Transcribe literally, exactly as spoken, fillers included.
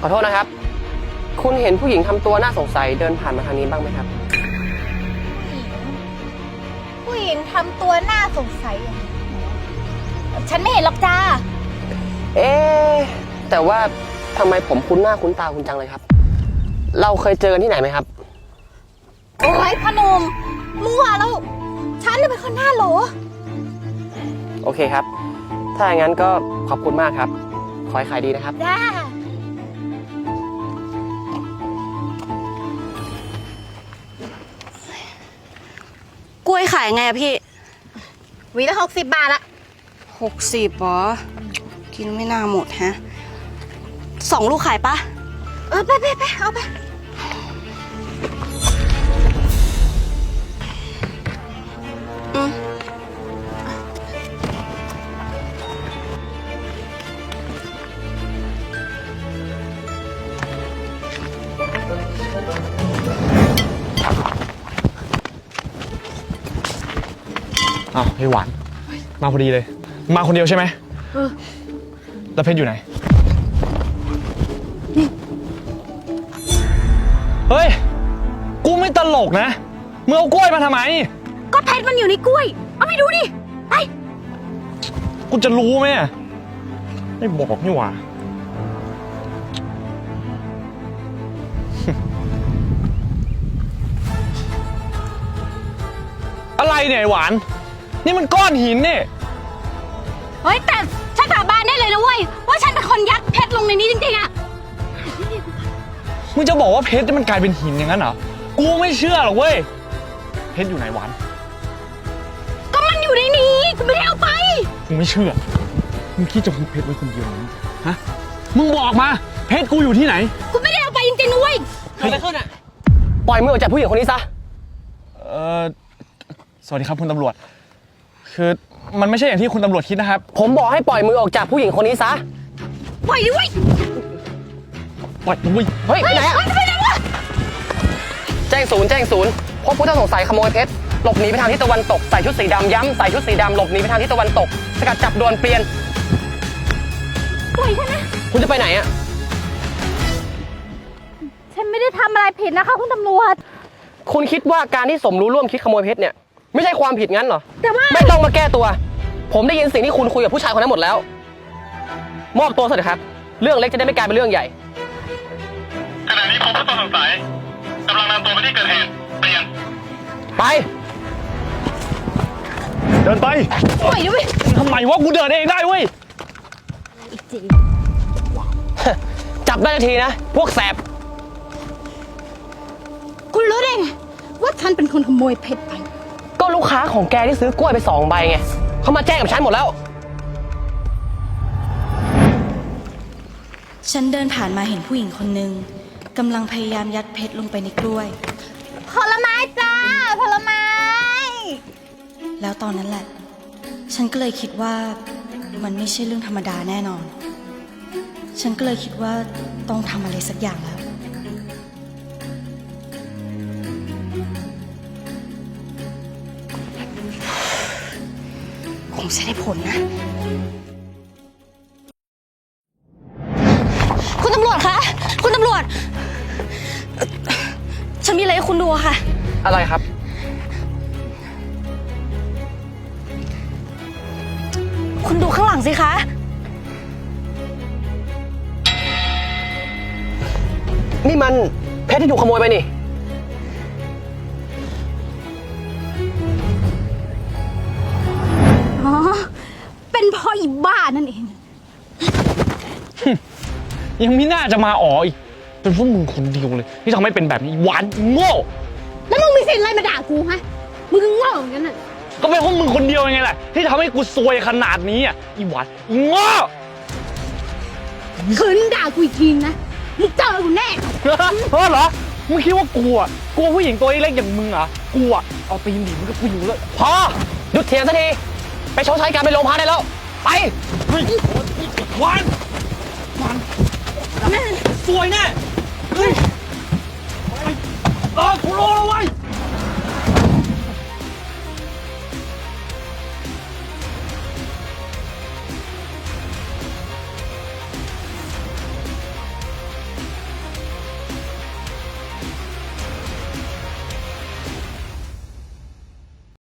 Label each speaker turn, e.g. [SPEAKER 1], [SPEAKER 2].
[SPEAKER 1] ขอโทษนะครับคุณเห็นผู้หญิงทำตัวน่าสงสัยเดินผ่านมาทางนี้บ้างไหมครับ
[SPEAKER 2] ผู้หญิงทำตัวน่าสงสัยอย่างนี้ฉันไม่เห็นหรอกจ้า
[SPEAKER 1] เอ๊ะแต่ว่าทำไมผมคุ้นหน้าคุ้นตาคุณจังเลยครับเราเคยเจอกันที่ไหนไหมครับ
[SPEAKER 2] โอ้ยพนมมั่วแล้วฉันเลยเป็นคนหน้าโหล
[SPEAKER 1] โอเคครับถ้าอย่างนั้นก็ขอบคุณมากครับขอให้ขายดีนะครับ
[SPEAKER 2] จ้
[SPEAKER 3] ากล้วยขายไงอะพี่
[SPEAKER 2] หวีละหกสิบบาทละ
[SPEAKER 3] หกสิบหรอกินไม่น่าหมดฮะสองลูกขายปะ
[SPEAKER 2] เออไปไปไปเอาไป
[SPEAKER 3] อืม
[SPEAKER 4] อ้าวไอ้หวานมาพอดีเลยมาคนเดียวใช่ไหม
[SPEAKER 2] เออ
[SPEAKER 4] แล้วเพชรอยู่ไหนเฮ้ยกูไม่ตลกนะมึงเอากล้วยมาทำไม
[SPEAKER 2] ก็เพชรมันอยู่ในกล้วยเอาไปดูดิไป
[SPEAKER 4] กูจะรู้ไหมไม่บอกนี่หว่าอะไรเนี่ยไอ้หวานนี่มันก้อนหินนี่
[SPEAKER 2] เฮ้ยแต่ฉันสาบานได้เลยนะเว้ยว่าฉันเป็นคนยัดเพชรลงในนี้จริงๆอะ
[SPEAKER 4] มึงจะบอกว่าเพชรมันกลายเป็นหินอย่างนั้นเหรอกูไม่เชื่อหรอกเว้ยเพชรอยู่ไหนหวาน
[SPEAKER 2] ก็มันอยู่ในนี้กูไม่ได้เอาไป
[SPEAKER 4] กูไม่เชื่อมึงคิดจะคุมเพชรไว้คนเดียวมั้งฮะมึงบอกมาเพชรกูอยู่ที่ไหน
[SPEAKER 2] กูไม่ได้เอาไปจริงๆนะเว้ย
[SPEAKER 1] เกิดอะไรขึ้นอะปล่อยมือออกจากผู้หญิงคนนี้ซะ
[SPEAKER 4] เออสวัสดีครับคุณตำรวจคือมันไม่ใช่อย่างที่คุณตำรวจคิดนะครับ
[SPEAKER 1] ผมบอกให้ปล่อยมือออกจากผู้หญิงคนนี้ซะ
[SPEAKER 2] ปล่อยดิเว้ย
[SPEAKER 4] ปล่อยมือ
[SPEAKER 1] เฮ้ยไปไหนอะ
[SPEAKER 2] ไปไหนวะ
[SPEAKER 1] แจ้งศูนย์แจ้งศูนย์พบผู้ต้องสงสัยขโมยเพชรหลบหนีไปทางทิศตะวันตกใส่ชุดสีดำย้ำใส่ชุดสีดำหลบหนีไปทางทิศตะวันตกสกัดจับด่วนเปลี่ยน
[SPEAKER 2] ปล่อยฉันนะ
[SPEAKER 1] คุณจะไปไหนอะ
[SPEAKER 2] ฉันไม่ได้ทำอะไรผิดนะคะคุณตำรวจ
[SPEAKER 1] คุณคิดว่าการที่สมรู้ร่วมคิดขโมยเพชรเนี่ยไม่ใช่ความผิดงั้นเหรอ
[SPEAKER 2] แต่ว่า
[SPEAKER 1] ไม่ต้องมาแก้ตัวผมได้ยินสิ่งที่คุณคุยกับผู้ชายคนนั้นหมดแล้วมอบตัวซะเถอะครับเรื่องเล็กจะได้ไม่กลายเป็นเรื่องใหญ่
[SPEAKER 5] ขณะนี้พบผู้ต้องสงสัยกำลังนำตัวไปที่เกิดเหตุเปลี่ยน
[SPEAKER 1] ไป
[SPEAKER 4] เดินไป
[SPEAKER 2] ปล่อยดิเว้ย
[SPEAKER 4] ทำไมวะกูเดินเองได้เว้ย
[SPEAKER 2] อีกจริง
[SPEAKER 1] จับได้ทีนะพวกแสบ
[SPEAKER 2] คุณรู้ได้ไงว่าฉันเป็นคนขโมยเพชรไป
[SPEAKER 1] ก็ลูกค้าของแกที่ซื้อกล้วยไปสองใบไงเขามาแจ้งกับฉันหมดแล้ว
[SPEAKER 3] ฉันเดินผ่านมาเห็นผู้หญิงคนหนึ่งกำลังพยายามยัดเพชรลงไปในกล้วย
[SPEAKER 2] ผลไม้จ้าผลไม้
[SPEAKER 3] แล้วตอนนั้นแหละฉันก็เลยคิดว่ามันไม่ใช่เรื่องธรรมดาแน่นอนฉันก็เลยคิดว่าต้องทำอะไรสักอย่างแล้วคงจะได้ผลนะคุณตำรวจคะคุณตำรวจฉันมีอะไรให้คุณดูค่ะ
[SPEAKER 1] อะไรครับ
[SPEAKER 3] คุณดูข้างหลังสิคะ
[SPEAKER 1] นี่มันเพชรที่ถูกขโมยไปนี่
[SPEAKER 2] อ๋อเป็นพ่ออีบ้านั่นเอง
[SPEAKER 4] ยังไม่น่าจะมาอ๋ออีกเป็นพวกมึงคนเดียวเลยที่ทำให้เป็นแบบนี้หวานโง่
[SPEAKER 2] แล้วมึงมีสิทธิ์อะไรมาด่ากูฮะมึงก็โง่เหมือนกันน่ะ
[SPEAKER 4] ก็เป็นพวกมึงคนเดียวยังไงแหละที่ทำให้กูซวยขนาดนี้อ่ะอีหวานอีโง่
[SPEAKER 2] คืนด่ากูอีกทีนะมึงเจอกูแน่
[SPEAKER 4] เฮ้อเหรอมึงคิดว่ากูอ่ะกลัวผู้หญิงตัวเล็กอย่างมึงเหรอกูอ่ะเอาตีนหนีมึงก็กูอยู่เลย
[SPEAKER 1] พอหยุดเถียงสักทีไปชดใช้การไปโรงพักได้แล้วไป
[SPEAKER 4] เฮ้ยหวานหวานสวยแน่เฮ้ยเออกูรู้แล้วเว้ย